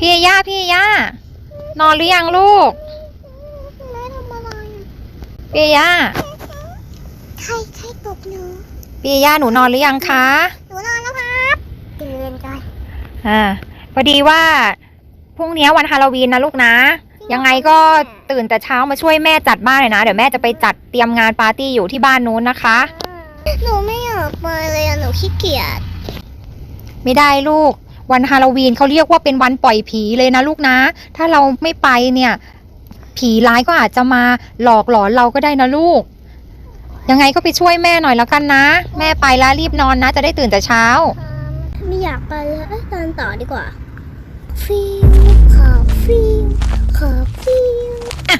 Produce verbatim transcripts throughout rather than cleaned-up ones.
พี่ย่าพี่ย่านอนหรือยังลูกแม่ทำอะไรพี่ย่าใครใครตบหนูพี่ย่าหนูนอนหรือยังคะหนูนอนแล้วครับตื่นก่อนอ่าพอดีว่าพรุ่งนี้วันฮาโลวีนนะลูกนะยังไงก็ตื่นแต่เช้ามาช่วยแม่จัดบ้านเลยนะเดี๋ยวแม่จะไปจัดเตรียมงานปาร์ตี้อยู่ที่บ้านนู้นนะคะหนูไม่อยากไปเลยหนูขี้เกียจไม่ได้ลูกวันฮาโลวีนเขาเรียกว่าเป็นวันปล่อยผีเลยนะลูกนะถ้าเราไม่ไปเนี่ยผีร้ายก็อาจจะมาหลอกหลอนเราก็ได้นะลูกยังไงก็ไปช่วยแม่หน่อยแล้วกันนะแม่ไปแล้วรีบนอนนะจะได้ตื่นแต่เช้าไม่อยากไปเลยตอนต่อดีกว่าฟิวขอฟิวขอฟิว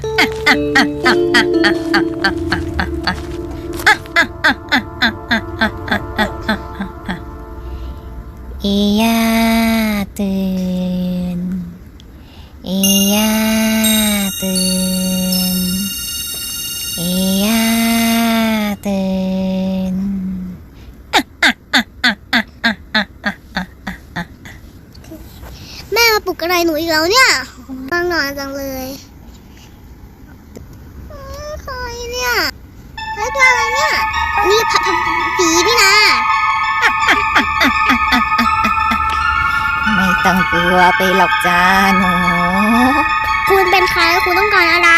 เอียตื่นเอียตื่นเอียตื่นแม่มาปลุกอะไรหนูอีกแล้วเนี่ยฟังนอนจังเลยใครเนี่ยใครตัวอะไรเนี่ยนี่ผัดผีนี่นะไม่ต้องกลัวไปหรอกจ้าหนูคุณเป็นใครคุณต้องการอะไร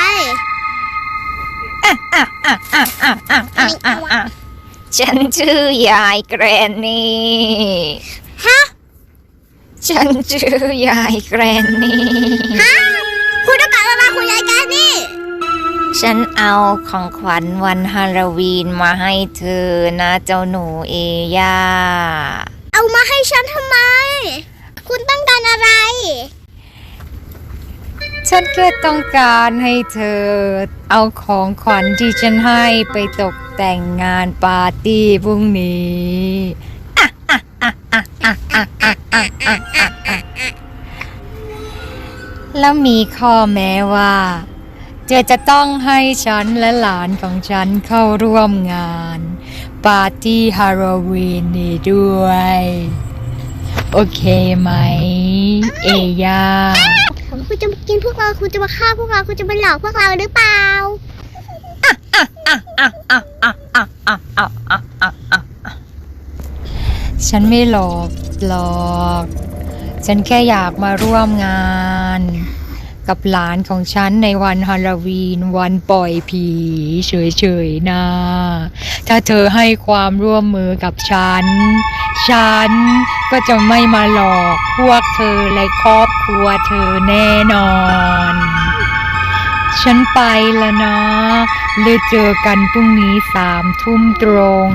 ฉันชื่อยายแกรนนี่ฮะฉันชื่อยายแกรนนี่ฮะคุณต้องการอะไรคุณยายแกรนนี่ฉันเอาของขวัญวันฮาโลวีนมาให้เธอนะเจ้าหนูเอย่าเอามาให้ฉันทำไมคุณต้องการอะไรฉันแค่ต้องการให้เธอเอาของขวัญที่ฉันให้ไปตกแต่งงานปาร์ตี้พรุ่งนี้แล้วมีข้อแม้ว่าเธอจะต้องให้ฉันและหลานของฉันเข้าร่วมงานปาร์ตี้ฮาโลวีนนี้ด้วยโอเคไหมเอย่าคุณจะมากินพวกเราคุณจะมาฆ่าพวกเราคุณจะมาหลอกพวกเราหรือเปล่าฉันไม่หลอกหรอกฉันแค่อยากมาร่วมงานกับหลานของฉันในวันฮาโลวีนวันปล่อยผีเฉยๆนะถ้าเธอให้ความร่วมมือกับฉันฉันก็จะไม่มาหลอกพวกเธอและครอบครัวเธอแน่นอนฉันไปแล้วนะเลยเจอกันพรุ่งนี้สามทุ่มตรง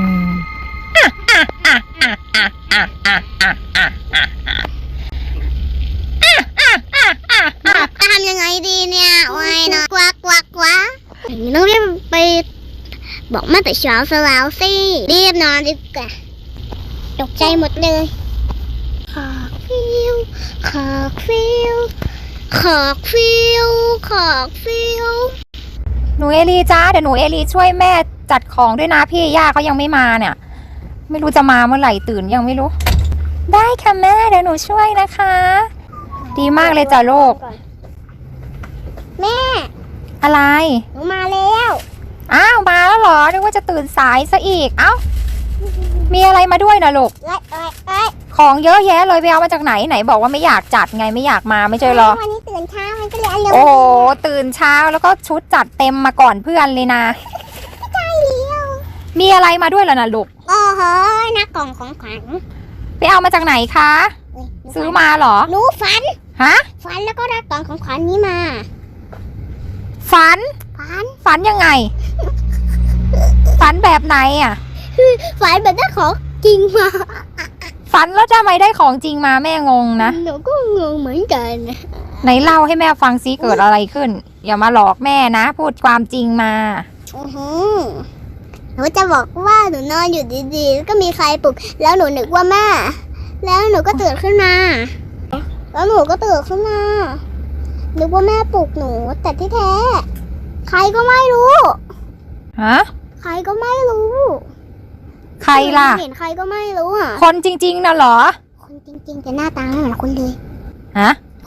จะทำยังไงดีเนี่ยโอ้ยนะกวักกวักกวักต้องรีบไปบอกแม่แต่เช้าซะแล้วสิรีบนอนดีกว่าตกใจหมดเลยขอกฟิวขอกฟิวขอกฟิวขอกฟิวหนูเอลีจ้าเดี๋ยวหนูเอลีช่วยแม่จัดของด้วยนะพี่ย่าเขายังไม่มาเนี่ยไม่รู้จะมาเมื่อไหร่ตื่นยังไม่รู้ได้ค่ะแม่เดี๋ยวหนูช่วยนะคะดีมากเลยจ้ะลูกแม่อะไรหนูมาแล้วอ้าวมาแล้วเหรอนึกว่าจะตื่นสายซะอีกเอ้ามีอะไรมาด้วยนะลูกของเยอะแยะเลยไปเอามาจากไหนไหนบอกว่าไม่อยากจัดไงไม่อยากมาไม่ใช่หรอวันนี้ตื่นเช้ามันก็เลยเร็วโอ้ตื่นเช้าแล้วก็ชุดจัดเต็มมาก่อนเพื่อนเลยนะใช่แล้วมีอะไรมาด้วยล่ะนะลูกโอ้โหหน้ากล่องของขวัญไปเอามาจากไหนคะซื้อมาเหรอหนูฝันฮะฝันแล้วก็ได้กล่องของขวัญนี้มาฝันฝันฝันยังไงฝันแบบไหนอ่ะฝันแบบได้ของจริงมาฝันแล้วทำไมได้ของจริงมาแม่งงนะหนูก็งงเหมือนกันไหนเล่าให้แม่ฟังซิเกิดอะไรขึ้นอย่ามาหลอกแม่นะพูดความจริงมาอือหือหนูจะบอกว่าหนูนอนอยู่ดีๆแล้วก็มีใครปลุกแล้วหนูนึกว่าแม่แล้วหนูก็ตื่นขึ้นมาแล้วหนูก็ตื่นขึ้นมานึกว่าแม่ปลุกหนูแต่ที่แท้ใครก็ไม่รู้ฮะใครก็ไม่รู้ใครล่ะเห็นใครก็ไม่รู้อ่ะคนจริงๆนะเหรอคนจริงๆแต่หน้าตาไม่เหมือนคนเลยฮะ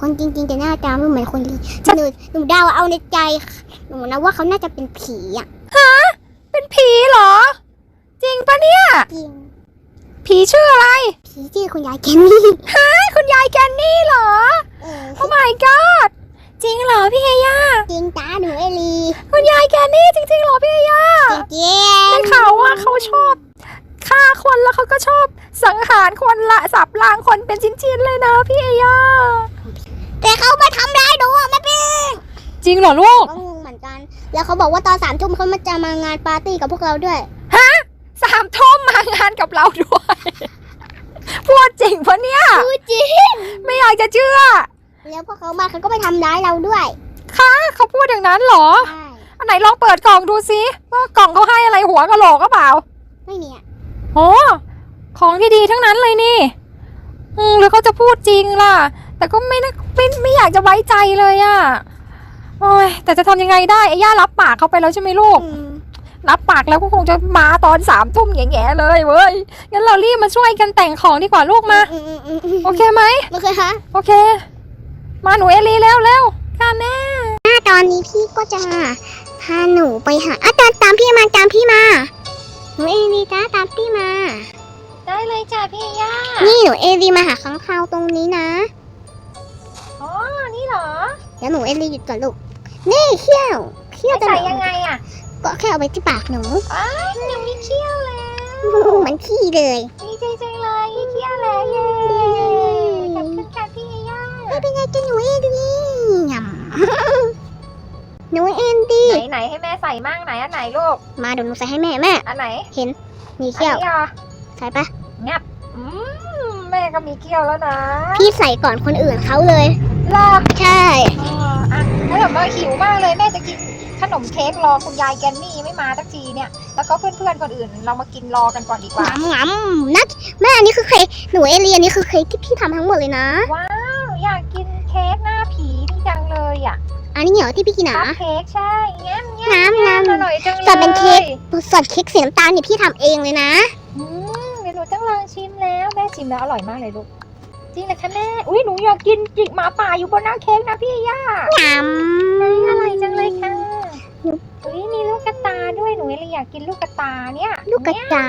คนจริงๆแต่หน้าตาไม่เหมือนคนจริงหนูหนูเดาเอาในใจหนูนะว่าเขาน่าจะเป็นผีอ่ะเป็นผีเหรอ จริงปะเนี่ยจริงผีชื่ออะไรผีชื่อคุณยายแกนนี่ฮะคุณยายแกนนี่เหรอเออโอ้ my god จริงเหรอพี่เอย่าจริงจ้าหนูเอลีคุณยายแกนนี่จริงๆเหรอพี่เอย่าจริงจริงได้ข่าวว่าเขาชอบฆ่าคนแล้วเขาก็ชอบสังหารคนละสับล้างคนเป็นชิ้นๆเลยนะพี่เอย่าแต่เขามาทำร้ายหนูอ่ะแม่ปิงจริงเหรอลูกก็งงเหมือนกัน แล้วเขาบอกว่าตอนสามทุ่มเขามาจะมางานปาร์ตี้กับพวกเราด้วยฮะสามทุ่มมางานกับเราด้วย พูดจริงปะเนี่ยพูดจริงไม่อยากจะเชื่อแล้วพวกเขามาเขาก็ไปทำร้ายเราด้วยคะเขาพูดอย่างนั้นเหรอใช่อันไหนลองเปิดกล่องดูซิว่ากล่องเขาให้อะไรหัวกะโหลกก็เปล่าไม่เนี่ยโอ้ของที่ดีทั้งนั้นเลยนี่ อืมหรือเขาจะพูดจริงล่ะ แต่ก็ไม่นะไม่ไม่อยากจะไว้ใจเลยอะโอ้ยแต่จะทำยังไงได้ไอ้ย่ารับปากเขาไปแล้วใช่ไหมลูกอืมรับปากแล้วก็คงจะมาตอนสามทุ่มแง่ๆเลยเว้ย งั้นเรารีบมาช่วยกันแต่งของดีกว่าลูกมาอืมอืมอืมอืมโอเคไหมโอเคคะโอเค มาหนูเอลีเร็วเร็วค่ะแม่ถ้าตอนนี้พี่ก็จะพาหนูไปหาอ่ะตามตามพี่มาตามพี่มา หนูเอลีจ้าตามพี่มาได้เลยจ้ะพี่ย่านี่หนูเอลีมาหาค้างคาวตรงนี้นะอ๋อ นี่เหรอแล้วหนูเอลีหยุดก่อนลูก นี่เขี้ยวเขี้ยวจะใส่ยังไงอะก็แค่เอาไปที่ปากหนูอ้ายยังมีเขี้ยวแล้วเหมือนขี้เลยดีใจจังเลยมีเขี้ยวแล้วเย้ขอบคุณค่ะพี่ย่าไม่เป็นไรจ้ะหนูเอลียำหนูเอลีไหนไหนให้แม่ใส่มั่งไหนอันไหนลูกมาเดี๋ยวหนูใส่ให้แม่แม่อันไหนมีอันเขี้ยวนี้เหรอใส่ปะงับอืมแม่ก็มีเขี้ยวแล้วนะพี่ใส่ก่อนคนอื่นเขาเลยรอใช่อ๋ออ่ะแล้วแบบว่าหิวมากเลยแม่จะกินขนมเค้กรอคุณยายแกนนี่ไม่มาสักทีเนี่ย แล้วก็เพื่อนๆคนอื่นเรามากินรอกันก่อนดีกว่างำงำนัดแม่อันนี้คือเค้กหนูเอเลียนนี่คือเค้กที่พี่ทำทั้งหมดเลยนะว้าวอยากกินเค้กหน้าผีนี่จังเลยอ่ะอันนี้เหรอที่พี่กินคันะพเค้กใช่แง้มแง้มน้ำแง้มน้ำอร่อยจังเลยแต่เป็นเค้ก ส่วนเค้กสีน้ำตาลนี่พี่ทำเองเลยนะอืมเดี๋ยวหนูต้องลองชิมแล้วแม่ชิมแล้วอร่อยมากเลยลูกจริงเลยค่ะแม่อุ้ยหนูอยากกินจิกหมาป่าอยู่บนหน้าเค้กนะพี่ย่างำอร่อยจังเลยค่ะอุ้ยมีลูกกระตาด้วยหนูเลยอยากกินลูกกระตาเนี่ยลูกกระตา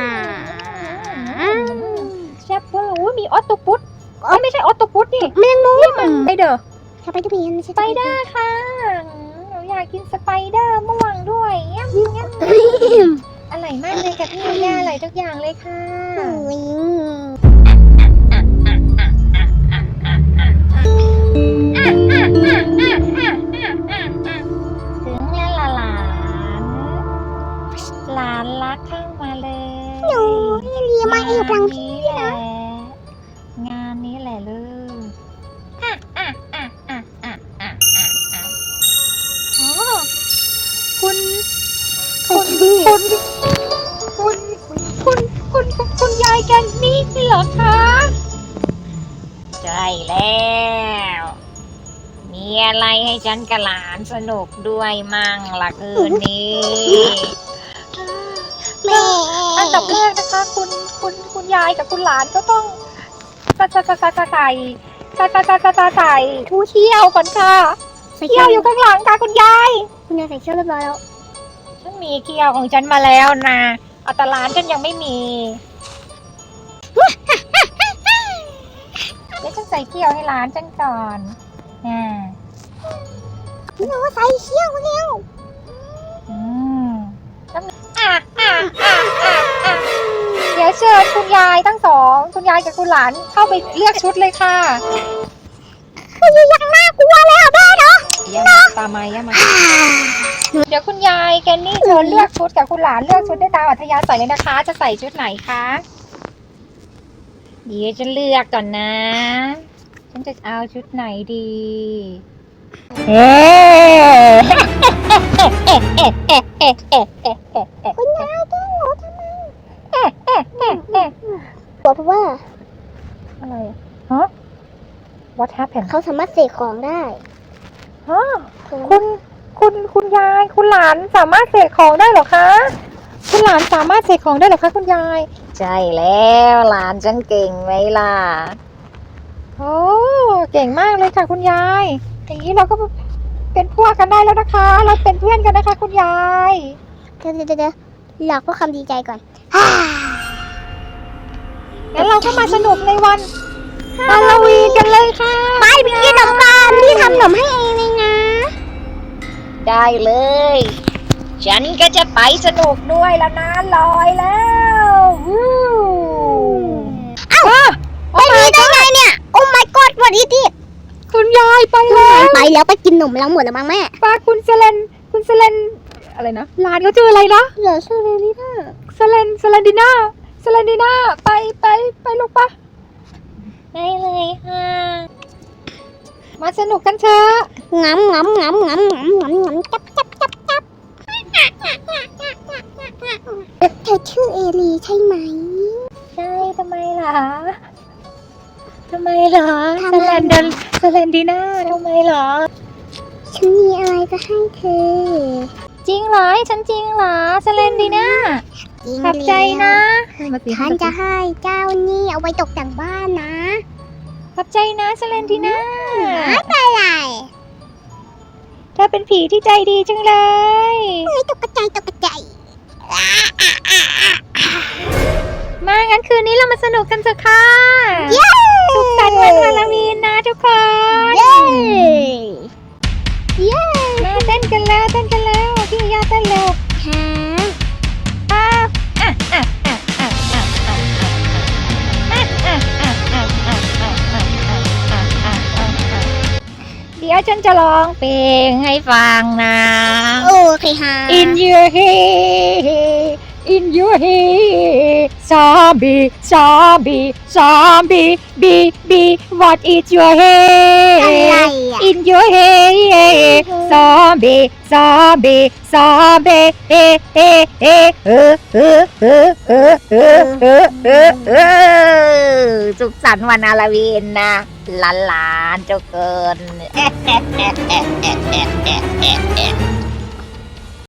แซ่บเวอร์อุ้ยมีออตโตปุสเอ้ยไม่ใช่ออตโตปุสนี่แมงมุมนี่มันไปเด้อสไปเดอร์แมนไม่สใช่ไปเดอร์ค่ะหนูอยากกินสไปเดอร์ม่วงด้วยเงี้ยเงี้ยอร่อยมากเลยค่ะพี่ย่าอร่อยทุกอย่างเลยค่ะอุ๊ยถึงแล้วล่ะหลานหลานรักเข้ามาเลยหนูเอเลียมาเองพลังงานนี้แหละงานนี้แหละลูกอ่ะอ่ะอ่ะอ่ะอ่ะอ่ะอ่ะอ่ะอ๋อคุณคุณคุณคุณคุณคุณคุณคุณยายแกนนี่เหรอคะใช่แล้ว มีอะไรให้ฉันกับหลานสนุกด้วยมั่งล่ะคืนนี้แม่อันดับแรกนะคะ คุณคุณคุณยายกับคุณหลานก็ต้องใส่ใส่ใส่ใส่ใส่ใส่ใส่ใส่ใส่ใส่ใส่ทูเที่ยวก่อนค่ะใส่เที่เขี้ยยว วออยู่ยู่ข้างหลังค่ะคุณยายคุณยายใส่เขี้ยวเรียบร้อยแล้วฉันมีเที่ยวของฉันมาแล้วนะเอาแต่หลานฉันยังไม่มีเดี๋ยวฉันใส่เที่ยวให้หลานฉันก่อนอ่าหนูใส่เขี้ยวแล้วอืมแล้วอ่ะอ่ะอ่ะอ่ะอ่ะเดี๋ยวเชิญคุณยายทั้งสองคุณยายกับคุณหลานเข้าไปเลือกชุดเลยค่ะคุณยายยังน่ากลัวเลยอ่ะแม่เนาะย่ามาตามมาย่ามาเดี๋ยวคุณยายแกนนี่เชิญเลือกชุดกับคุณหลานเลือกชุดได้ตามอัธยาศัยเลยนะคะ จะใส่ชุดไหนคะเดี๋ยวจะเลือกก่อนนะ ฉันจะเอาชุดไหนดีเอ๊ะคุณยายแกล้งหนูทำไมบอกเพราะว่าอะไรฮะ What happened เขาสามารถเสกของได้ฮะคุณคุณคุณยายคุณหลานสามารถเสกของได้เหรอคะคุณหลานสามารถเสกของได้เหรอคะคุณยายใช่แล้วหลานฉันเก่งไหมล่ะโอ้เก่งมากเลยค่ะคุณยายอย่างนี้เราก็เป็นพวกกันได้แล้วนะคะ เราเป็นเพื่อนกันนะคะคุณยายเดี๋ยวเดี๋ยวเดี๋ยวหลอกเพื่อความดีใจก่อนงั้นเราก็มาสนุกในวันฮาโลวีนกันเลยค่ะไปไปกินขนมกันพี่ทำขนมให้เองเลยนะได้เลย ฉันก็จะไปสนุกด้วยแล้วนะลอยแล้ววู้เอ้าไปนี้ได้ไงเนี่ย โอ้ my god what is it คุณยายไปแล้วไปแล้วไปกินขนมแล้วหมดแล้วมั้งแม่ป้าคุณเซเลนคุณเซเลนอะไรนะร้านเขาชื่ออะไรนะเหลือชื่อเลยนี่ค่ะเซเลนเซเลนดิน่าเซเลนดิน่าไปไปไปลูกปะได้เลยค่ะมาสนุกกันเถอะงำงำงำงำงำงำงำจับจับจับจับเธอชื่อเอลีใช่ไหมใช่ทำไมล่ะทำไมเหรอทำเซไมเลนเดนเซเลนดิน่าทำไมเหรอฉันมีอะไรจะให้เธอจริงเหรอให้ฉันจริงเหรอเซเลนดิน่าจริงขอบใจนะมาสิฉันจะให้เจ้านี่เอาไว้ตกแต่งบ้านนะขอบใจนะเซเลนดิน่าไม่เป็นไรเธอเป็นผีที่ใจดีจังเลยไม่ตกใจตกใจมางั้นคืนนี้เรามาสนุกกันเถอะค่ะเย้สุขสันต์วันฮาโลวีนนะทุกคนเย้เย้มาเต้นกันแล้วเต้นกันแล้วพี่ย่าเต้นเร็วฮะอ่ะอ่ะอ่ะอ่ะอ่ะอ่ะอ่ะอ่ะอ่ะอ่ะอ่ะอ่ะอ่ะอ่ะอ่ะอ่ะอ่ะเดี๋ยวฉันจะร้องเพลงให้ฟังนะโอเคฮะ In your head In your head Zombie Zombie Zombie Be Be What is your อะไร head อ่ะ In your head Zombie Zombie Zombie เฮ้เฮ้เฮ้เออเออเออเออเออเออเออเออสุขสันต์วันฮาโลวีนนะหลานๆเจ้าเกิน